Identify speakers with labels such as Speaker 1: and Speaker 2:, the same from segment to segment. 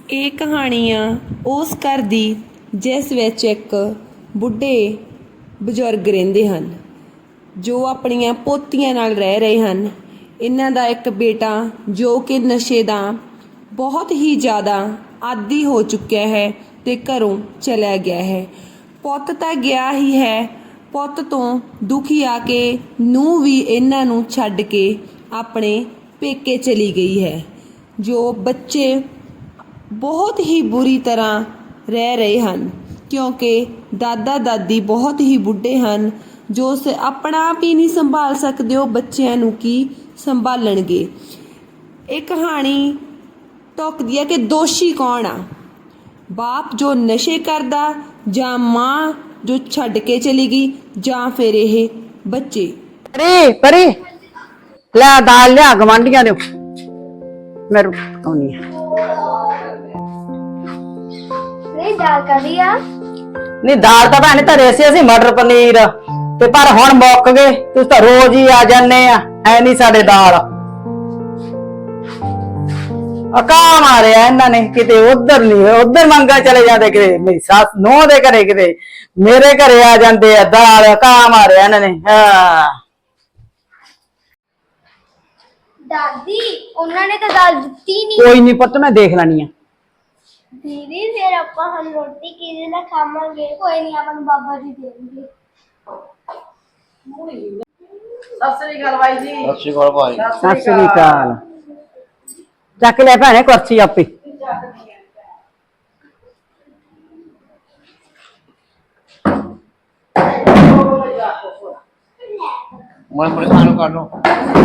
Speaker 1: ਇਹ ਕਹਾਣੀ ਆ ਉਸ ਘਰ ਦੀ ਜਿਸ ਵਿੱਚ ਇੱਕ ਬੁੱਢੇ ਬਜ਼ੁਰਗ ਰਹਿੰਦੇ ਹਨ ਜੋ ਆਪਣੀਆਂ ਪੋਤੀਆਂ ਨਾਲ ਰਹਿ ਰਹੇ ਹਨ। ਇਹਨਾਂ ਦਾ ਇੱਕ ਬੇਟਾ ਜੋ ਕਿ ਨਸ਼ੇ ਦਾ ਬਹੁਤ ਹੀ ਜ਼ਿਆਦਾ ਆਦੀ ਹੋ ਚੁੱਕਿਆ ਹੈ ਤੇ ਘਰੋਂ ਚਲਾ ਗਿਆ ਹੈ। ਪੁੱਤ ਤਾਂ ਗਿਆ ਹੀ ਹੈ, ਪੁੱਤ ਤੋਂ ਦੁਖੀ ਆ ਕੇ ਨੂੰਹ ਵੀ ਇਹਨਾਂ ਨੂੰ ਛੱਡ ਕੇ ਆਪਣੇ ਪੇਕੇ ਚਲੀ ਗਈ ਹੈ। ਜੋ ਬੱਚੇ ਬਹੁਤ ਹੀ ਬੁਰੀ ਤਰ੍ਹਾਂ ਰਹਿ ਰਹੇ ਹਨ ਕਿਉਂਕਿ ਦਾਦਾ ਦਾਦੀ ਬਹੁਤ ਹੀ ਬੁੱਢੇ ਹਨ ਜੋ ਆਪਣਾ ਆਪ ਹੀ ਨਹੀਂ ਸੰਭਾਲ ਸਕਦੇ, ਉਹ ਬੱਚਿਆਂ ਨੂੰ ਕੀ ਸੰਭਾਲਣਗੇ। ਇਹ ਕਹਾਣੀ ਟੋਕਦੀ ਹੈ ਕਿ ਦੋਸ਼ੀ ਕੌਣ ਆ, ਬਾਪ ਜੋ ਨਸ਼ੇ ਕਰਦਾ ਜਾਂ ਮਾਂ ਜੋ ਛੱਡ ਕੇ ਚਲੀ ਗਈ ਜਾਂ ਫਿਰ ਇਹ ਬੱਚੇ।
Speaker 2: ਪਰੀ ਪਰੀ ਲੈ ਦਾਲ ਲਿਆ ਗਵਾਂਢੀਆਂ ਦੇ ਮੈਂ ਰੁਕਾਉਣੀ ਆ।
Speaker 3: ਨਹੀਂ ਦਾਲ ਕਦੀ ਆ
Speaker 2: ਨਹੀਂ ਦਾਲ ਤਾਂ ਭੈਣੇ ਧਰੇ ਸੀ ਅਸੀਂ ਮਟਰ ਪਨੀਰ ਤੇ ਪਰ ਹੁਣ ਮੁੱਕ ਗਏ। ਤੁਸੀਂ ਤਾਂ ਰੋਜ਼ ਹੀ ਆ ਜਾਂਦੇ ਆ, ਹੈ ਨਹੀਂ ਸਾਡੇ ਦਾਲ। ਅਕਾ ਮਾਰਿਆ ਇਹਨਾਂ ਨੇ, ਕਿਤੇ ਉਧਰ ਨਹੀਂ ਉਧਰ ਮੰਗਾ ਚਲੇ ਜਾਂਦੇ, ਕਿਤੇ ਮੇਰੀ ਸੱਸ ਨੂੰਹ ਦੇ ਘਰੇ, ਕਿਤੇ ਮੇਰੇ ਘਰੇ ਆ ਜਾਂਦੇ ਆ। ਦਾਲ ਅਕਾ ਮਾਰਿਆ ਇਹਨਾਂ ਨੇ। ਹਾਂ
Speaker 3: ਦਾਦੀ ਉਹਨਾਂ ਨੇ ਤਾਂ ਦਾਲ ਦਿੱਤੀ ਨਹੀਂ।
Speaker 2: ਕੋਈ ਨਹੀਂ ਪੁੱਤ, ਮੈਂ ਦੇਖ ਲੈਣੀ ਆ।
Speaker 3: ਦੀਦੀ ਫਿਰ ਆਪਾਂ ਹੁਣ ਰੋਟੀ ਕਿਹਦੇ ਨਾਲ ਖਾਵਾਂਗੇ? ਕੋਈ ਨਹੀਂ, ਆਪਾਂ ਨੂੰ ਬਾਬਾ ਜੀ ਦੇਣਗੇ।
Speaker 2: ਸਤਿ ਸ੍ਰੀ ਅਕਾਲ ਬਾਈ ਜੀ।
Speaker 4: ਸਤਿ ਸ਼੍ਰੀ ਅਕਾਲ ਭਾਈ।
Speaker 2: ਸਤਿ ਸ੍ਰੀ ਅਕਾਲ। ਚੱਕ ਲੈ ਭੈਣੇ ਕੁਰਸੀ ਆਪੇ।
Speaker 4: ਮੈਂ ਬੜੇ ਖਾਣੋਂ ਕਰ ਲਓ।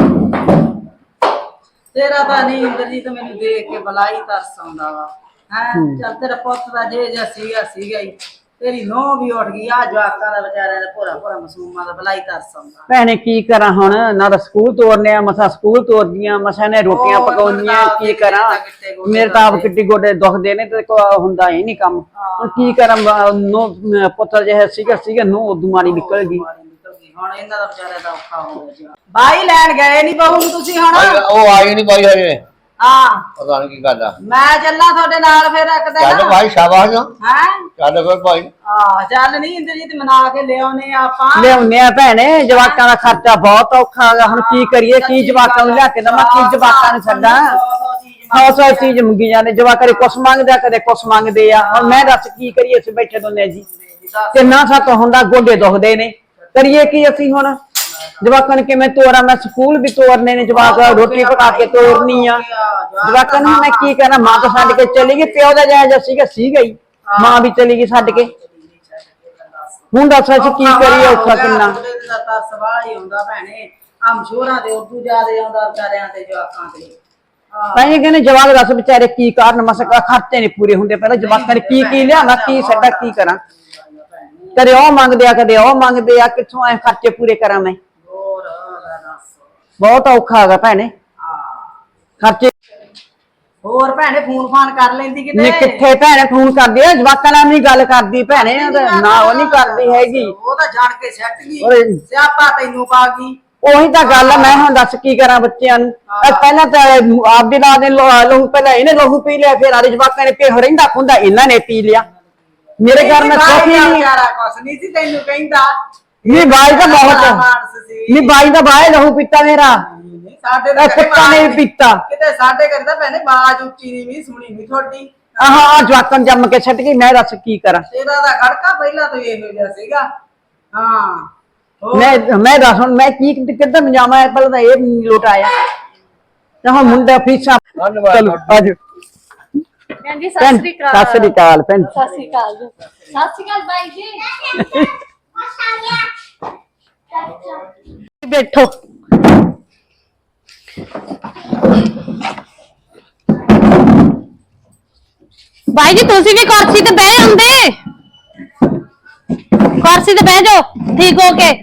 Speaker 5: ਤੇਰਾ ਤਾਂ ਨਹੀਂ ਇੰਦਰਜੀਤ, ਮੈਨੂੰ ਦੇਖ ਕੇ ਬਲਾਈ ਤਰਸ ਆਉਂਦਾ ਵਾ। ਹੈ ਚੱਲ ਤੇਰਾ ਪੁੱਤ ਦਾ ਜੇ ਸੀਗਾ ਹੀ, ਤੇਰੀ ਨੂੰਹ ਵੀ ਉੱਠ ਗਈ। ਆ ਜਵਾਕਾਂ ਦਾ ਵਿਚਾਰਿਆਂ ਦਾ ਭੋਰਾ ਭੋਰਾ ਮਾਸੂਮਾਂ ਦਾ ਬਲਾਈ ਤਰਸ ਆਉਂਦਾ।
Speaker 2: ਭੈਣੇ ਕੀ ਕਰਾਂ ਹੁਣ, ਨਾ ਤਾਂ ਸਕੂਲ ਤੋਰਨੇ ਆ, ਮਸਾ ਸਕੂਲ ਤੋਰਦੀਆਂ, ਮਸਾ ਨੇ ਰੋਟੀਆਂ ਪਕਾਉਣੀਆਂ। ਕੀ ਕਰਾਂ, ਮੇਰੇ ਤਾਂ ਆਪ ਕਿੱਡੀ ਗੋਡੇ ਦੁਖਦੇ ਨੇ ਤੇ ਹੁੰਦਾ ਹੀ ਨਹੀਂ ਕੰਮ। ਹੁਣ ਕੀ ਕਰਾਂ, ਪੁੱਤਰ ਜਿਹਾ ਸੀਗਾ ਨੂੰ ਉਦੋਂ ਮਾਰੀ ਨਿਕਲ ਗਈ।
Speaker 5: ਹੁਣ ਇਹਨਾਂ ਦਾ ਵਿਚਾਰਿਆਂ ਦਾ ਔਖਾ ਹੋ ਗਿਆ। ਬਾਈ ਲੈਣ ਗਏ ਨਹੀਂ ਬਹੂ ਨੂੰ ਤੁਸੀਂ ਹੁਣ?
Speaker 4: ਉਹ ਆਈ ਨਹੀਂ ਭਾਈ ਹਜੇ।
Speaker 5: ਹਾਂ
Speaker 4: ਪਤਾ ਨਹੀਂ ਕੀ ਗੱਲ ਆ।
Speaker 5: ਮੈਂ ਚੱਲਾਂ ਤੁਹਾਡੇ ਨਾਲ ਫਿਰ ਇੱਕ ਦਿਨ।
Speaker 4: ਚੱਲ ਭਾਈ ਸ਼ਾਬਾਸ਼।
Speaker 5: ਹੈ
Speaker 4: ਚੱਲ ਫਿਰ ਭਾਈ।
Speaker 5: ਚੱਲ ਨਹੀਂ ਇੰਦਰਜੀਤ, ਮਨਾ ਕੇ ਲਿਆਉਨੇ ਆਪਾਂ।
Speaker 2: ਲਿਆਉਨੇ ਆ ਭੈਣੇ, ਜਵਾਕਾਂ ਦਾ ਖਰਚਾ ਬਹੁਤ ਔਖਾ ਹੈਗਾ। ਹੁਣ ਕੀ ਕਰੀਏ, ਕੀ ਜਵਾਕਾਂ ਨੂੰ ਲਿਆ ਕੇ ਦਵਾਂ, ਕੀ ਜਵਾਕਾਂ ਨੂੰ ਛੱਡਾਂ। 100 ਚੀਜ਼ ਮੰਗੀ ਜਾਂਦੇ ਜਵਾਕ, ਕਦੇ ਕੁਛ ਮੰਗਦੇ ਆ ਕਦੇ ਕੁਛ ਮੰਗਦੇ ਆ। ਹੁਣ ਮੈਂ ਦੱਸ ਕੀ ਕਰੀਏ, ਅਸੀਂ ਬੈਠੇ ਦੋਨੇ ਜੀ, ਕਿੰਨਾ ਸੱਤ ਹੁੰਦਾ, ਗੋਡੇ ਦੁਖਦੇ ਨੇ, ਕਰੀਏ ਕੀ ਅਸੀਂ ਹੁਣ। ਜਵਾਕਾਂ ਨੂੰ ਕਿਵੇਂ ਤੋਰਾਂ, ਮੈਂ ਸਕੂਲ ਵੀ ਤੋਰਨੇ ਨੇ, ਜਵਾਕ ਰੋਟੀ ਪਕਾ ਕੇ ਤੋਰਨੀ ਆ। ਜਵਾਕਾਂ ਨੂੰ ਮੈਂ ਕੀ ਕਰਾਂ, ਮਾਂ ਤਾਂ ਛੱਡ ਕੇ ਚਲੀ ਗਈ, ਪਿਓ ਦਾ ਜਾਇਜ਼ ਸੀਗਾ ਹੀ, ਮਾਂ ਵੀ ਚਲੀ ਗਈ ਛੱਡ ਕੇ। ਹੁਣ ਦੱਸ ਅਸੀਂ ਕੀ ਕਰੀਏ, ਔਖਾ ਕਿੰਨਾ।
Speaker 5: ਸਵਾਲ ਹੀ ਹੁੰਦਾ ਭੈਣੇ, ਮਸ਼ਹੂਰਾਂ ਦੇ ਉਦੋਂ ਜ਼ਿਆਦਾ ਆਉਂਦਾ ਵਿਚਾਰਿਆਂ ਤੇ ਜਵਾਕਾਂ ਤੇ।
Speaker 2: ਭਾਈ ਕਹਿੰਦੇ ਜਵਾਕ ਦੱਸ ਵਿਚਾਰੇ ਕੀ ਕਾਰਨ, ਮਸਾ ਖਰਚੇ ਨਹੀਂ ਪੂਰੇ ਹੁੰਦੇ। ਪਹਿਲਾਂ ਜਵਾਕਾਂ ਨੇ ਕੀ ਲਿਆਵਾਂ, ਕੀ ਛੱਡਾ, ਕੀ ਕਰਾਂ। ਕਦੇ ਉਹ ਮੰਗਦੇ ਆ, ਕਦੇ ਉਹ ਮੰਗਦੇ ਆ, ਕਿੱਥੋਂ ਐ ਖਰਚੇ ਪੂਰੇ ਕਰਾਂ ਮੈਂ। ਬਹੁਤ ਔਖਾ ਹੈਗਾ ਭੈਣੇ ਖਰਚੇ।
Speaker 5: ਹੋਰ ਭੈਣੇ ਫੋਨ ਫਾਨ ਕਰ ਲੈਂਦੀ ਕਿਤੇ?
Speaker 2: ਨਹੀਂ ਕਿੱਥੇ ਭੈਣੇ ਫੋਨ ਕਰਦੀ ਆ, ਜਵਾਕਾਂ ਨਾਲ ਨਹੀਂ ਗੱਲ ਕਰਦੀ ਭੈਣੇ, ਨਾ ਉਹ ਨਹੀਂ ਕਰਦੀ ਹੈਗੀ।
Speaker 5: ਉਹ ਤਾਂ ਜਾਣ ਕੇ ਸੱਟ ਗਈ, ਸਿਆਪਾ ਤੈਨੂੰ ਪਾ ਗਈ।
Speaker 2: ਉਹੀ ਤਾਂ ਗੱਲ ਆ, ਮੈਂ ਹੁਣ ਦੱਸ ਕੀ ਕਰਾਂ ਬੱਚਿਆਂ ਨੂੰ। ਪਹਿਲਾਂ ਤਾਂ ਆਪਦੇ ਨਾਲ ਦੇ ਲਹੂ, ਪਹਿਲਾਂ ਇਹਨੇ ਲਹੂ ਪੀ ਲਿਆ, ਫਿਰ ਆਦੇ ਜਵਾਕਾਂ ਨੇ ਪੇ ਰਹਿੰਦਾ ਖੁੰਦਾ ਇਹਨਾਂ ਨੇ ਪੀ ਲਿਆ। ਮੇਰੇ ਘਰ ਮੈਂ ਸੁੱਖ ਹੀ ਨਹੀਂ।
Speaker 5: ਕੁਛ ਨਹੀਂ ਸੀ ਤੈਨੂੰ ਕਹਿੰਦਾ।
Speaker 2: ਨਹੀਂ ਬਾਈ ਦਾ ਬਹੁਤ, ਨਹੀਂ ਬਾਈ ਦਾ ਬਾਹਰ ਲਹੂ ਪੀਤਾ ਮੇਰਾ,
Speaker 5: ਸਾਡੇ
Speaker 2: ਕੁੱਤਾ ਨੇ ਵੀ ਪੀਤਾ।
Speaker 5: ਕਿਤੇ ਸਾਡੇ ਘਰ ਤਾਂ ਭੈਣੇ ਬਾਜ ਉੱਚੀ ਨਹੀਂ ਵੀ ਸੁਣੀ ਨਹੀਂ ਤੁਹਾਡੀ।
Speaker 2: ਆਹ ਜਵਾਕਾਂ ਨੂੰ ਜੰਮ ਕੇ ਛੱਡ ਗਈ, ਮੈਂ ਦੱਸ ਕੀ ਕਰਾਂ।
Speaker 5: ਤੇਰਾ ਦਾ ਖੜਕਾ ਪਹਿਲਾਂ ਤੋਂ ਇਹੋ ਜਿਹਾ ਸੀਗਾ। ਹਾਂ
Speaker 2: ਮੈਂ ਦੱਸ ਹੁਣ ਮੈਂ ਕੀ ਕਿੱਦਾਂ ਜਾਵਾਂ, ਪਹਿਲਾਂ ਤਾਂ ਇਹ ਲੋਟ ਆਇਆ ਤਾਂ ਹੁਣ ਮੁੰਡਾ ਫੀਸਾਂ। ਚਲੋ ਆਜੋ
Speaker 3: ਭੈਣ ਜੀ ਸਤਿ ਸ੍ਰੀ ਅਕਾਲ।
Speaker 2: ਸਤਿ ਸ੍ਰੀ ਅਕਾਲ ਭੈਣ।
Speaker 3: ਸਤਿ ਸ੍ਰੀ ਅਕਾਲ ਜੀ। ਸਤਿ ਸ੍ਰੀ ਅਕਾਲ ਬਾਈ ਜੀ।
Speaker 2: ਬੈਠੋ।
Speaker 6: भाई जी तुसी भी कुर्सी ते बह जांदे, कुर्सी ते बह जाओ ठीक हो के।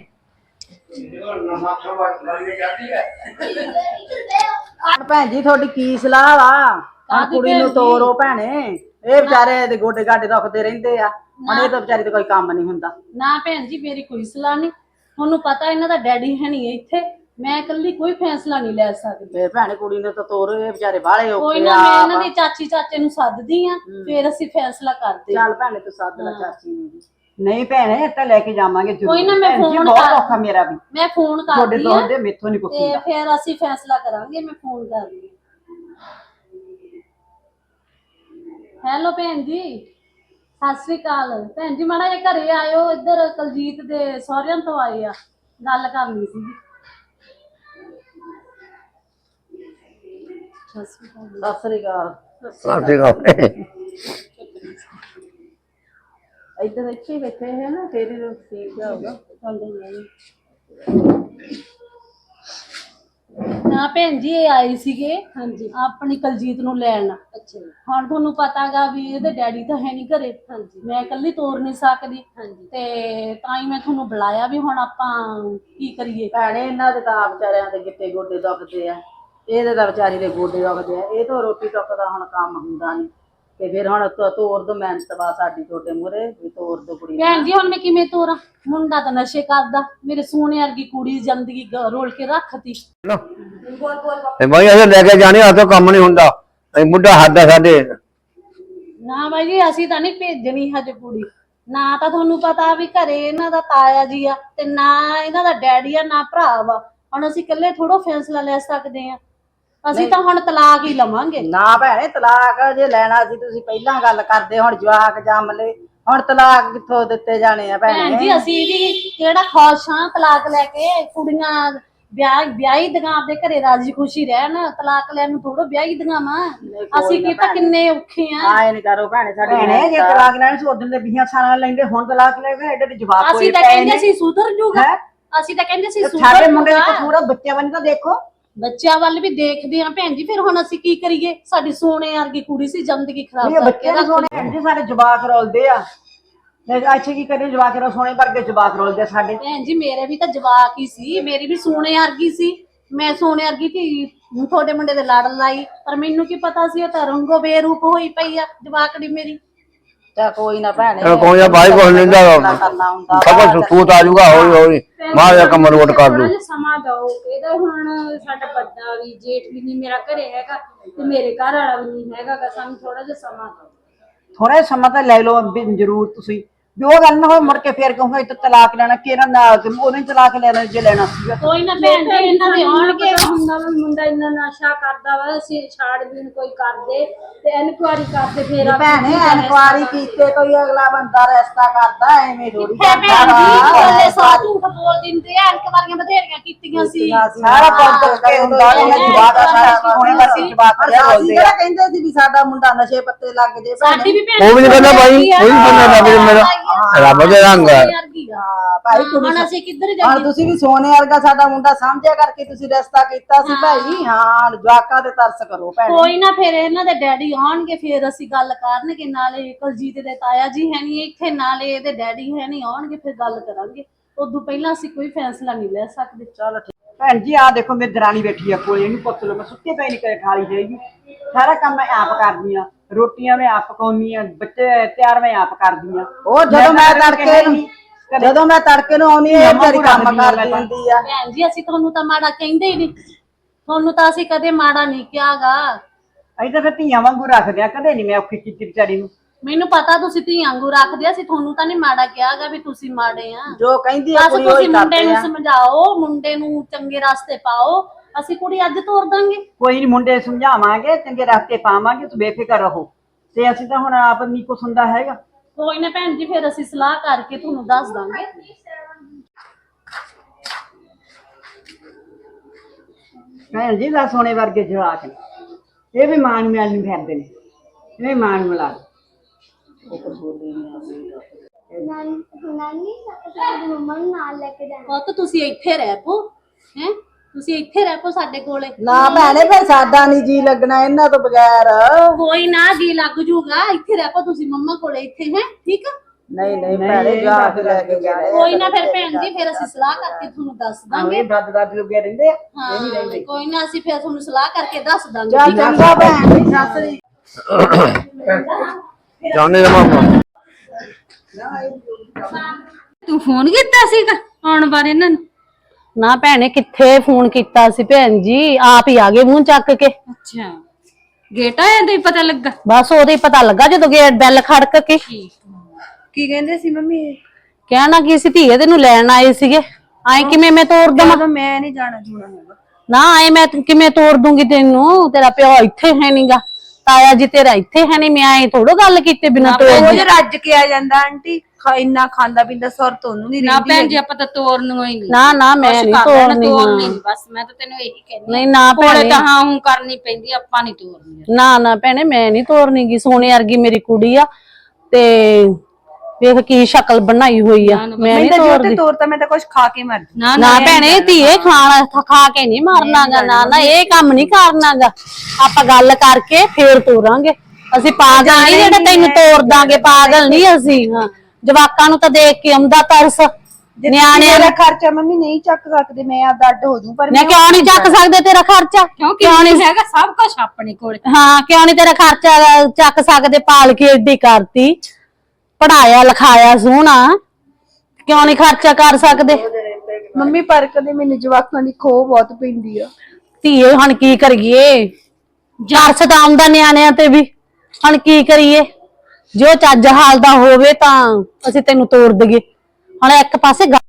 Speaker 5: ਭੈਣ ਜੀ ਤੁਹਾਡੀ ਕੀ ਸਲਾਹ ਵਾ? ਕੁੜੀ ਨੂੰ ਤੋਰੋ ਭੈਣੇ, ਇਹ ਵਿਚਾਰੇ ਦੇ ਗੋਡੇ ਗਾਡੇ ਦੁਖਦੇ ਰਹਿੰਦੇ ਆ। ਹੁਣ ਇਹ ਤਾਂ ਵਿਚਾਰੀ ਤੇ ਕੋਈ ਕੰਮ ਨਹੀਂ ਹੁੰਦਾ।
Speaker 6: ना भैन जी मेरी कोई सलाह नहीं, ਤੁਹਾਨੂੰ ਪਤਾ ਇਹਨਾਂ ਦਾ ਡੈਡੀ ਹੈ ਨਹੀਂ ਇੱਥੇ
Speaker 7: ਮੈਂ ਇਕੱਲੀ ਕੋਈ ਫੈਸਲਾ ਨਹੀਂ ਲੈ ਸਕਦੀ।
Speaker 5: ਫੇਰ ਭੈਣੇ ਕੁੜੀ ਨੇ ਤਾਂ ਤੋਰੋ, ਇਹ ਵਿਚਾਰੇ ਬਾਹਲੇ
Speaker 7: ਕੋਈ
Speaker 5: ਔਖੇ
Speaker 7: ਨਾ,
Speaker 5: ਆ।
Speaker 7: ਮੈਂ ਇਹਨਾਂ ਦੀ ਚਾਚੀ ਚਾਚੇ ਨੂੰ ਸੱਦਦੀ ਆ, ਫਿਰ ਅਸੀਂ ਫੈਸਲਾ ਕਰਦੇ ਆ।
Speaker 5: ਚੱਲ ਭੈਣੇ ਤੂੰ ਸੱਦ ਲੈ ਚਾਚੀ ਨੂੰ ਵੀ।
Speaker 2: ਨਹੀਂ ਭੈਣੇ ਇਹ ਤਾਂ ਲੈ ਕੇ ਜਾਵਾਂਗੇ ਜ਼ਰੂਰ।
Speaker 7: ਕੋਈ ਨਾ, ਮੈਂ
Speaker 2: ਭੈਣ ਜੀ,
Speaker 7: ਫੋਨ
Speaker 2: ਬਹੁਤ
Speaker 7: ਕਰ-
Speaker 2: ਔਖਾ ਮੇਰਾ ਵੀ,
Speaker 7: ਮੈਂ ਫੋਨ
Speaker 2: ਤੁਹਾਡੇ
Speaker 7: ਕਰਦੀ
Speaker 2: ਤੋਂ
Speaker 7: ਆ
Speaker 2: ਹੁੰਦੇ ਮੇਥੋਂ ਨਹੀਂ ਕੁਛ
Speaker 7: ਤੇ
Speaker 2: ਹੁੰਦਾ।
Speaker 7: ਫਿਰ ਅਸੀਂ ਫੈਸਲਾ ਕਰਾਂਗੇ। ਮੈਂ ਫੋਨ ਕਰਦੀ ਆ। ਹੈਲੋ ਭੈਣ ਜੀ, ਸਤਿ ਸ੍ਰੀ ਅਕਾਲ। ਭੈਣ ਜੀ ਮਾੜਾ ਜਿਹਾ ਘਰੇ ਆਇਓ, ਇੱਧਰ ਕੁਲਜੀਤ ਦੇ ਸਹੁਰਿਆਂ ਤੋਂ ਆਏ ਆ, ਗੱਲ ਕਰਨੀ ਸੀ। ਸਤਿ ਸ੍ਰੀ ਅਕਾਲ।
Speaker 5: ਸਤਿ ਸ੍ਰੀ ਅਕਾਲ। ਇੱਧਰ ਇੱਥੇ ਹੀ ਬੈਠੇ ਹੈ ਨਾ, ਤੇਰੇ ਨੂੰ ਠੀਕ ਹੋਊਗਾ।
Speaker 7: ਹਾਂ ਭੈਣ ਜੀ, ਇਹ ਆਏ ਸੀਗੇ ਹਾਂਜੀ ਆਪਣੀ ਕੁਲਜੀਤ ਨੂੰ ਲੈਣ। ਅੱਛਾ, ਹੁਣ ਤੁਹਾਨੂੰ ਪਤਾਗਾ ਵੀ ਇਹਦੇ ਡੈਡੀ ਤਾਂ ਹੈ ਨਹੀਂ ਘਰੇ। ਹਾਂਜੀ, ਮੈਂ ਇਕੱਲੀ ਤੋਰ ਨਹੀਂ ਸਕਦੀ। ਹਾਂਜੀ, ਤੇ ਤਾਂ ਹੀ ਮੈਂ ਤੁਹਾਨੂੰ ਬੁਲਾਇਆ ਵੀ ਹੁਣ ਆਪਾਂ ਕੀ ਕਰੀਏ।
Speaker 5: ਭੈਣੇ ਇਹਨਾਂ ਦੇ ਤਾਂ ਵਿਚਾਰਿਆਂ ਦੇ ਗਿੱਟੇ ਗੋਡੇ ਦੁਖਦੇ ਆ, ਇਹਦੇ ਤਾਂ ਵਿਚਾਰੀ ਦੇ ਗੋਡੇ ਦੁਖਦੇ ਆ। ਇਹ ਤਾਂ ਰੋਟੀ ਟੁੱਕ ਦਾ ਹੁਣ ਕੰਮ ਹੁੰਦਾ ਨਹੀਂ, ਤੇ ਫਿਰ ਹੁਣ ਤੋਰ ਦੋ ਮਿਹਨਤ ਵਾ ਸਾਡੀ ਤੁਹਾਡੇ ਮੂਹਰੇ ਵੀ ਤੋਰ ਦੋ ਕੁੜੀ
Speaker 7: ਭੈਣ ਜੀ ਹੁਣ ਮੈਂ ਕਿਵੇਂ ਤੋਰਾਂ? ਮੁੰਡਾ ਤਾਂ ਨਸ਼ੇ ਕਰਦਾ, ਮੇਰੇ ਸੋਹਣੇ ਵਰਗੀ ਕੁੜੀ ਜ਼ਿੰਦਗੀ ਰੋਲ ਕੇ ਰੱਖਤੀ।
Speaker 4: ਤੇ ਬਾਈ ਅਸੀਂ ਲੈ ਕੇ ਜਾਣੇ ਆ ਤਾਂ ਕੰਮ ਨਹੀਂ ਹੁੰਦਾ, ਅਸੀਂ ਬੁੱਢਾ ਹੱਦ ਆ ਸਾਡੇ।
Speaker 7: ਨਾ ਬਾਈ ਜੀ, ਅਸੀਂ ਤਾਂ ਨਹੀਂ ਭੇਜਣੀ ਹਜੇ ਕੁੜੀ। ਨਾ ਤਾਂ ਤੁਹਾਨੂੰ ਪਤਾ ਵੀ ਘਰੇ ਇਹਨਾਂ ਦਾ ਤਾਇਆ ਜੀ ਆ, ਤੇ ਨਾ ਇਹਨਾਂ ਦਾ ਡੈਡੀ ਆ, ਨਾ ਭਰਾ ਵਾ। ਹੁਣ ਅਸੀਂ ਇਕੱਲੇ ਥੋੜੋ ਫੈਸਲਾ ਲੈ ਸਕਦੇ ਆ। ਅਸੀਂ ਤਾਂ ਹੁਣ ਤਲਾਕ ਹੀ ਲਵਾਂਗੇ।
Speaker 5: ਨਾ ਭੈਣੇ, ਤਲਾਕ ਜੇ ਲੈਣਾ ਸੀ ਤੁਸੀਂ ਪਹਿਲਾਂ ਗੱਲ ਕਰਦੇ, ਹੁਣ ਜਵਾਕ ਜੰਮ ਲਏ, ਹੁਣ ਤਲਾਕ ਕਿੱਥੋਂ ਦਿੱਤੇ ਜਾਣੇ ਆ ਭੈਣੇ?
Speaker 7: ਭੈਣ ਜੀ ਅਸੀਂ ਵੀ ਕਿਹੜਾ ਖੁਸ਼ ਹਾਂ ਤਲਾਕ ਲੈ ਕੇ। ਕੁੜੀਆਂ ਵਿਆਹੀ ਦੀਆਂ ਆਪਦੇ ਘਰੇ ਰਾਜੀ ਖੁਸ਼ੀ ਰਹਿਣ, ਤਲਾਕ ਲੈਣ ਨੂੰ ਥੋੜੋ ਵਿਆਹੀ ਦੀਆਂ ਵਾ। ਅਸੀਂ ਕੀ ਤਾਂ ਕਿੰਨੇ ਔਖੇ ਆ।
Speaker 5: ਆਏ ਨੀ ਕਰੋ ਭੈਣੇ, ਸਾਡੀ
Speaker 2: ਭੈਣੇ ਜੇ ਤਲਾਕ ਲੈਣ ਸੀ ਉਦੋਂ ਦੇ 20 ਸਾਲਾਂ ਲੈਂਦੇ, ਹੁਣ ਤਲਾਕ ਲੈ ਗਏ, ਐਡੇ ਦੇ ਜਵਾਬ ਹੋਏ
Speaker 7: ਅਸੀਂ ਤਾਂ
Speaker 2: ਪਏ
Speaker 7: ਕਹਿੰਦੇ
Speaker 2: ਨੇ।
Speaker 7: ਸੀ ਸੁਧਰ ਜੂਗਾ,
Speaker 2: ਹੈਂ?
Speaker 7: ਅਸੀਂ ਤਾਂ ਕਹਿੰਦੇ ਸੀ
Speaker 2: ਸਾਡੇ
Speaker 7: ਸੁਧਰ
Speaker 2: ਮੁੰਡੇ ਦਾ
Speaker 7: ਜੂਗਾ।
Speaker 2: ਕਸੂਰ ਆ, ਬੱਚਿਆਂ ਵੱਲ ਤਾਂ ਦੇਖੋ।
Speaker 7: ਬੱਚਿਆਂ ਵੱਲ ਵੀ ਦੇਖਦੇ ਆ ਭੈਣ ਜੀ, ਫਿਰ ਹੁਣ ਅਸੀਂ ਕੀ ਕਰੀਏ? ਸਾਡੀ ਸੋਨੇ ਵਰਗੀ ਕੁੜੀ ਸੀ, ਜ਼ਿੰਦਗੀ ਖਰਾਬ
Speaker 2: ਨਹੀਂ
Speaker 7: ਕਰਕੇ
Speaker 2: ਬੱਚੇ ਨੂੰ
Speaker 7: ਰੱਖ
Speaker 2: ਸੋਹਣੇ ਭੈਣ ਜੀ, ਸਾਡੇ ਜਵਾਕ ਰੋਲਦੇ ਆ। ਅੱਛੇ ਕੀ ਕਰੇ, ਜਵਾਕ ਰੋ ਸੋਹਣੇ ਵਰਗੇ ਜਵਾਕ ਰੋਲਦੇ ਆ ਸਾਡੇ।
Speaker 7: ਭੈਣ ਜੀ ਮੇਰੇ ਵੀ ਤਾਂ ਜਵਾਕ ਹੀ ਸੀ, ਮੇਰੀ ਵੀ ਸੋਨੇ ਵਰਗੀ ਸੀ। ਮੈਂ ਸੋਨੇ ਵਰਗੀ ਧੀ ਤੁਹਾਡੇ ਮੁੰਡੇ ਦੇ ਲੜ ਲਾਈ, ਪਰ ਮੈਨੂੰ ਕੀ ਪਤਾ ਸੀ ਉਹ ਤਾਂ ਰੰਗੋ ਬੇਰੂਪ ਹੋਈ ਪਈ ਆ ਜਵਾਕੜੀ ਮੇਰੀ।
Speaker 5: ਤਾਂ ਕੋਈ ਨਾ ਭੈਣੇ,
Speaker 4: ਕੋਈ ਨਾ ਬਾਈ ਕੋਲ ਲੈਂਦਾ
Speaker 5: ਕਰਨਾ ਹੁੰਦਾ
Speaker 4: ਸਭ ਸੂਤ ਆ ਜਾਊਗਾ ਹੌਲੀ ਹੌਲੀ, ਮਾਰ ਜਾ ਕੰਮ ਰੋਟ ਕਰ ਦੂ।
Speaker 8: ਸਮਾਂ ਦਿਓ ਇਹਦਾ। ਹੁਣ ਸਾਡਾ ਵੱਡਾ ਵੀ ਜੇਠ ਵੀ ਨਹੀਂ ਮੇਰਾ ਘਰੇ ਹੈਗਾ, ਤੇ ਮੇਰੇ ਘਰ ਵਾਲਾ ਵੀ ਨਹੀਂ ਹੈਗਾ। ਸਾਨੂੰ ਥੋੜਾ ਜਿਹਾ ਸਮਾਂ ਦਿਓ।
Speaker 2: ਥੋੜਾ ਸਮਾਂ ਤਾਂ ਲੈ ਲਓ ਵੀ ਜ਼ਰੂਰ ਤੁਸੀਂ, ਵੀ ਉਹ ਗੱਲ ਨਾ ਹੋਏ ਮੁੜ ਕੇ ਫੇਰ ਕਹੂੰਗਾ ਇੱਥੇ ਤਲਾਕ ਲੈਣਾ, ਕਿਹੜਾ ਨਾ ਉਹਨੇ ਤਲਾਕ ਲੈਣਾ ਜੇ ਲੈਣਾ ਸੀਗਾ।
Speaker 7: ਕੋਈ ਨਾ ਭੈਣ ਜੀ, ਇਹਨਾਂ ਦੇ ਆਉਣਗੇ।
Speaker 8: ਹੁੰਦਾ ਵਾ ਮੁੰਡਾ ਇੰਨਾ ਨਸ਼ਾ ਕਰਦਾ ਵਾ, ਅਸੀਂ ਛਾੜ ਬੀਣ ਕੋਈ ਕਰਦੇ ਤੇ ਇਨਕੁਆਰੀ ਕਰਦੇ ਫੇਰ
Speaker 5: ਭੈਣੇ, ਇਨਕੁਆਰੀ ਕੀਤੇ ਕੋਈ ਅਗਲਾ ਬੰਦਾ ਰਸਤਾ ਕਰਦਾ, ਐਵੇਂ ਥੋੜੀ
Speaker 7: ਭੈਣ ਜੀ ਬੋਲੇ ਸਾ ਝੂਠ ਬੋਲ ਦਿੰਦੇ ਆ। ਇਨਕੁਆਰੀਆਂ ਬਥੇਰੀਆਂ ਕੀਤੀਆਂ ਸੀ।
Speaker 2: ਸਾਰਾ ਕੁਝ ਕੇ ਹੁੰਦਾ ਉਹਨਾਂ ਜਵਾਕ ਆ, ਸਾਰਾ ਸੋਹਣੇ ਵਰਗੇ ਜਵਾਕ ਰੋਲਦੇ ਆ।
Speaker 5: ਕਹਿੰਦੇ ਸੀ ਵੀ ਸਾਡਾ ਮੁੰਡਾ ਨਸ਼ੇ ਪੱਤੇ ਲੱਗ ਜੇ।
Speaker 7: ਸਾਡੀ ਵੀ ਭੈਣ
Speaker 4: ਉਹ ਵੀ ਨਹੀਂ ਕਹਿੰਦਾ ਬਾਈ, ਉਹ ਵੀ ਬੰਦਾ ਲੱਗ ਮੇਰਾ ਰੱਬ ਦੇ ਰੰਗ ਹੈ।
Speaker 5: ਭਾਈ ਕੁੜੀ
Speaker 7: ਹੁਣ ਅਸੀਂ ਕਿੱਧਰ
Speaker 5: ਹਾਂ,
Speaker 7: ਜਾਈਏ?
Speaker 5: ਤੁਸੀਂ ਵੀ ਸੋਨੇ ਵਰਗਾ ਸਾਡਾ ਮੁੰਡਾ ਸਮਝਿਆ ਕਰਕੇ ਤੁਸੀਂ ਰਸਤਾ ਕੀਤਾ ਸੀ ਭਾਈ। ਹਾਂ, ਜਵਾਕਾਂ ਤੇ ਤਰਸ ਕਰੋ ਭੈਣੇ।
Speaker 7: ਕੋਈ ਨਾ, ਫਿਰ ਇਹਨਾਂ ਦੇ ਡੈਡੀ ਆਉਣਗੇ, ਫਿਰ ਅਸੀਂ ਗੱਲ ਕਰਨਗੇ। ਨਾਲੇ ਕੁਲਜੀਤ ਦੇ ਤਾਇਆ ਜੀ ਹੈ ਨਹੀਂ ਇੱਥੇ, ਨਾਲੇ ਇਹਦੇ ਡੈਡੀ ਹੈ ਨਹੀਂ, ਆਉਣਗੇ ਫਿਰ ਗੱਲ ਕਰਾਂਗੇ। ਉਦੋਂ ਪਹਿਲਾਂ ਅਸੀਂ ਕੋਈ ਫੈਸਲਾ ਨਹੀਂ ਲੈ ਸਕਦੇ।
Speaker 5: ਚਲੋ ਠੀਕ।
Speaker 2: ਭੈਣ ਜੀ ਆਹ ਦੇਖੋ ਮੇਰੀ ਦਰਾਣੀ ਬੈਠੀ ਆ ਕੋਲੇ, ਇਹਨੂੰ ਪੁੱਛ ਲਓ, ਮੈਂ ਸੁੱਤੇ ਪਏ ਨਹੀਂ ਕਰੇ ਖਾਲੀ ਜਾਏਗੀ। ਸਾਰਾ ਕੰਮ ਮੈਂ ਆਪ ਕਰਦੀ ਆ, ਰੋਟੀਆਂ ਮੈਂ ਆਪ ਪਕਾਉਣੀ ਆ, ਬੱਚੇ ਤਿਆਰ ਮੈਂ ਆਪ ਕਰਦੀ ਆ।
Speaker 5: ਉਹ ਜਦੋਂ ਮੈਂ ਤੜਕੇ ਨੂੰ ਆਉਣੀ ਹੈ ਤੇਰੀ ਕੰਮ ਕਰਦੀ ਹੁੰਦੀ ਆ।
Speaker 7: ਭੈਣ ਜੀ ਅਸੀਂ ਤੁਹਾਨੂੰ ਤਾਂ ਮਾੜਾ ਕਹਿੰਦੇ ਹੀ ਨਹੀਂ, ਤੁਹਾਨੂੰ ਤਾਂ ਅਸੀਂ ਕਦੇ ਮਾੜਾ ਨਹੀਂ ਕਿਹਾਗਾ।
Speaker 2: ਅਸੀਂ ਤਾਂ ਫਿਰ ਧੀਆਂ ਵਾਂਗੂ ਰੱਖਦੇ ਆ, ਕਦੇ ਨਹੀਂ ਮੈਂ ਔਖੀ ਕੀਤੀ ਵਿਚਾਰੀ ਨੂੰ।
Speaker 7: ਮੈਨੂੰ ਪਤਾ ਤੁਸੀਂ ਧੀਆਂ ਵਾਂਗੂ ਰੱਖਦੇ, ਅਸੀਂ ਤੁਹਾਨੂੰ ਤਾਂ ਨਹੀਂ ਮਾੜਾ ਕਿਹਾਗਾ ਵੀ ਤੁਸੀਂ ਮਾੜੇ ਆ।
Speaker 5: ਜੋ ਕਹਿੰਦੀ ਆ
Speaker 7: ਬਸ
Speaker 5: ਕੁੜੀ
Speaker 7: ਤੁਸੀਂ
Speaker 5: ਉਹੀ
Speaker 7: ਮੁੰਡੇ
Speaker 5: ਕਰਦੇ
Speaker 7: ਨੂੰ
Speaker 5: ਆ।
Speaker 7: ਸਮਝਾਓ, ਮੁੰਡੇ ਨੂੰ ਚੰਗੇ ਰਸਤੇ ਪਾਓ। ਅਸੀਂ ਕੁੜੀ ਅੱਜ ਤੋਰ ਦਾਂਗੇ।
Speaker 2: ਕੋਈ ਨਹੀਂ, ਮੁੰਡੇ ਸਮਝਾਵਾਂਗੇ, ਚੰਗੇ ਰਸਤੇ ਪਾਵਾਂਗੇ, ਤੂੰ ਬੇਫਿਕਰ ਰਹੋ। ਤੇ ਅਸੀਂ ਤਾਂ ਹੁਣ ਆਪ ਨਹੀਂ ਕੁਛ ਹੁੰਦਾ ਹੈਗਾ।
Speaker 7: ਕੋਈ ਨਾ ਭੈਣ ਜੀ, ਫਿਰ ਅਸੀਂ ਸਲਾਹ ਕਰਕੇ ਤੁਹਾਨੂੰ ਦੱਸ ਦਾਂਗੇ।
Speaker 2: ਭੈਣ ਜੀ ਦਾ ਸੋਨੇ ਵਰਗੇ ਜਵਾਕ ਨੇ, ਇਹ ਵੀ ਮਾਂ ਨੂੰ ਮਿਲਣ ਨੂੰ ਫਿਰਦੇ ਨੇ, ਇਹ ਮਾਂ ਨੂੰ ਮਿਲਾ
Speaker 3: ਨਾਨੀ ਸਾਡੀ ਮੰਮਾ ਨੂੰ ਨਾਲ ਲੈ ਕੇ ਜਾਣਾ।
Speaker 7: ਪੁੱਤ ਤੁਸੀਂ ਇੱਥੇ ਰਹਿ ਪੋ, ਹੈ ਤੁਸੀਂ ਇੱਥੇ ਰਹਿ ਪੋ ਸਾਡੇ ਕੋਲੇ।
Speaker 5: ਨਾ ਭੈਣੇ, ਫਿਰ ਸਾਡਾ ਨਹੀਂ ਜੀ ਲੱਗਣਾ ਇਹਨਾਂ ਤੋਂ ਬਗੈਰ।
Speaker 7: ਕੋਈ ਨਾ, ਜੀ ਲੱਗ ਜੂਗਾ। ਇੱਥੇ ਰਹਿ ਪੋ ਤੁਸੀਂ ਮੰਮਾ ਕੋਲੇ, ਇੱਥੇ ਹੈ ਠੀਕ ਆ।
Speaker 5: ਨਹੀਂ ਭੈਣੇ, ਜਾ ਕੇ ਲੈ ਕੇ ਜਾਣੇ।
Speaker 7: ਕੋਈ ਨਾ ਫਿਰ ਭੈਣ ਜੀ, ਫਿਰ ਅਸੀਂ ਸਲਾਹ ਕਰਕੇ ਤੁਹਾਨੂੰ ਦੱਸ ਦਾਂਗੇ।
Speaker 2: ਇਹ ਦਾਦ ਲੋਗੇ ਰਹਿੰਦੇ ਆ, ਇਹ ਨਹੀਂ ਰਹਿੰਦੇ।
Speaker 7: ਕੋਈ ਨਾ, ਅਸੀਂ ਫਿਰ ਤੁਹਾਨੂੰ ਸਲਾਹ ਕਰਕੇ ਦੱਸ ਦਾਂਗੇ।
Speaker 5: ਜਾ ਚੰਗਾ ਭੈਣ ਜੀ, ਸਤਿ ਸ੍ਰੀ
Speaker 4: ਜਾਣੇ ਦਾ ਮਾਮਾ
Speaker 8: ਤੂੰ ਫੋਨ ਕੀਤਾ ਸੀਗਾ ਆਉਣ ਬਾਰੇ ਇਹਨਾਂ ਨੂੰ?
Speaker 7: ਨਾ ਭੈਣੇ ਕਿੱਥੇ ਫੋਨ ਕੀਤਾ ਸੀ ਭੈਣ ਜੀ, ਆਪ ਹੀ ਆ ਗਏ ਮੂੰਹ ਚੱਕ ਕੇ।
Speaker 8: ਅੱਛਾ ਗੇਟ ਆਇਆ ਤੇ ਪਤਾ ਲੱਗਾ।
Speaker 7: ਬਸ ਉਹਦੇ ਹੀ ਪਤਾ ਲੱਗਾ ਜਦੋਂ ਗੇਟ ਬੈਲ ਖੜਕ ਕੇ।
Speaker 1: ਕੀ ਕਹਿੰਦੇ ਸੀ ਮੰਮੀ ਇਹ?
Speaker 7: ਕਹਿਣਾ ਕੀ ਸੀ, ਧੀਏ ਤੈਨੂੰ ਲੈਣ ਆਏ ਸੀਗੇ। ਆਏ ਕਿਵੇਂ ਮੈਂ ਤੋੜ ਦਵਾਂ?
Speaker 1: ਮੈਂ ਨਹੀਂ ਜਾਣਾ ਜੂਣਾ ਹੈਗਾ।
Speaker 7: ਨਾ ਆਏ ਮੈਂ ਕਿਵੇਂ ਤੋੜ ਦੂੰਗੀ ਤੈਨੂੰ? ਤੇਰਾ ਪਿਓ ਇੱਥੇ ਹੈ ਨਹੀਂਗਾ, ਤਾਇਆ ਜੀ ਤੇਰਾ ਇੱਥੇ ਹੈ ਨਹੀਂ। ਮੈਂ ਆਏ ਥੋੜੋ ਗੱਲ ਕੀਤੇ ਬਿਨਾਂ ਤੋੜ
Speaker 1: ਰੋਜ਼ ਰੱਜ ਕੇ ਆ ਜਾਂਦਾ ਆਂਟੀ, ਇੰਨਾ ਖਾਂਦਾ ਪੀਂਦਾ ਸੁਰ ਤੁਹਾਨੂੰ ਨਹੀਂ
Speaker 8: ਨਾ
Speaker 1: ਰਹਿੰਦੀ
Speaker 8: ਭੈਣ ਜੀ ਆਪਾਂ ਤਾਂ ਤੋਰਨ ਨੂੰ ਹੀ ਨਹੀਂ।
Speaker 7: ਨਾ ਮੈਂ ਨਹੀਂ ਤੋੜਨੀ।
Speaker 8: ਤੋਰਨੀ ਨੀ, ਬਸ ਮੈਂ ਤਾਂ ਤੈਨੂੰ ਇਹੀ ਕਹਿੰਦੀ।
Speaker 7: ਨਹੀਂ ਨਾ
Speaker 8: ਕੋਲੇ
Speaker 7: ਭੈਣੇ,
Speaker 8: ਤਾਂ ਹਾਂ ਹੂੰ ਕਰਨੀ ਪੈਂਦੀ, ਆਪਾਂ ਨਹੀਂ ਤੋਰਨੀ।
Speaker 7: ਨਾ ਭੈਣੇ ਮੈਂ ਨਹੀਂ ਤੋੜਨੀ ਗੀ। ਸੋਨੇ ਵਰਗੀ ਮੇਰੀ ਕੁੜੀ ਆ ਤੇ ਵੇਖ ਕੀ ਸ਼ਕਲ ਬਣਾਈ ਹੋਈ ਆ। ਮੈਂ ਨਹੀਂ ਤੋੜਦੀ।
Speaker 1: ਤੋਰਤਾ ਮੈਂ ਤਾਂ ਕੁਝ ਖਾ ਕੇ ਮਰ ਜਾਊਂ।
Speaker 7: ਨਾ ਭੈਣੇ ਧੀਏ ਖਾਣਾ ਖਾ ਕੇ ਨਹੀਂ ਮਾਰਨਾਗਾ। ਨਾ ਇਹ ਕੰਮ ਨਹੀਂ ਕਰਨਾਗਾ। ਆਪਾਂ ਗੱਲ ਕਰਕੇ ਫੇਰ ਤੋਰਾਂਗੇ। ਅਸੀਂ ਪਾਗਲ ਨਹੀਂ ਜਿਹੜੇ ਤੈਨੂੰ ਤੋੜ ਦਾਂਗੇ, ਪਾਗਲ ਨਹੀਂ ਅਸੀਂ। ਹਾਂ ਜਵਾਕਾਂ ਨੂੰ ਤਾਂ ਦੇਖ ਕੇ ਆਉਂਦਾ ਤਰਸ। ਨਿਆਣਿਆਂ ਦਾ
Speaker 1: ਖਰਚਾ ਮੰਮੀ ਨਹੀਂ ਚੱਕ ਸਕਦੇ, ਮੈਂ ਆਪਦਾ ਅੱਡ ਹੋ ਜੂ। ਪਰ
Speaker 7: ਮੈਂ ਕਿਉਂ ਨਹੀਂ ਚੱਕ ਸਕਦੇ ਤੇਰਾ ਖਰਚਾ?
Speaker 8: ਕਿਉਂ ਨਹੀਂ ਹੈਗਾ ਸਭ ਕੁਝ ਆਪਣੇ ਕੋਲ।
Speaker 7: ਹਾਂ ਕਿਉਂ ਨਹੀਂ ਤੇਰਾ ਖਰਚਾ ਚੱਕ ਸਕਦੇ? ਪਾਲ ਕੇ ਏਡੀ ਕਰਤੀ, ਪੜਾਇਆ ਲਿਖਾਇਆ ਸੋਹਣਾ, ਕਿਉਂ ਨਹੀਂ ਖਰਚਾ ਕਰ ਸਕਦੇ?
Speaker 1: ਮੰਮੀ ਪਰ ਕਦੇ ਮੈਨੂੰ ਜਵਾਕਾਂ ਦੀ ਖੋਹ ਬਹੁਤ ਪੈਂਦੀ ਆ।
Speaker 7: ਧੀਏ ਹੁਣ ਕੀ ਕਰੀਏ? ਜਰਸ ਤਾਂ ਆਉਂਦਾ ਨਿਆਣਿਆਂ ਤੇ ਵੀ, ਹੁਣ ਕੀ ਕਰੀਏ? ਜੋ ਚੱਜ ਹਾਲ ਦਾ ਹੋਵੇ ਤਾਂ ਅਸੀਂ ਤੈਨੂੰ ਤੋੜ ਦਈਏ। ਹੁਣ ਇੱਕ ਪਾਸੇ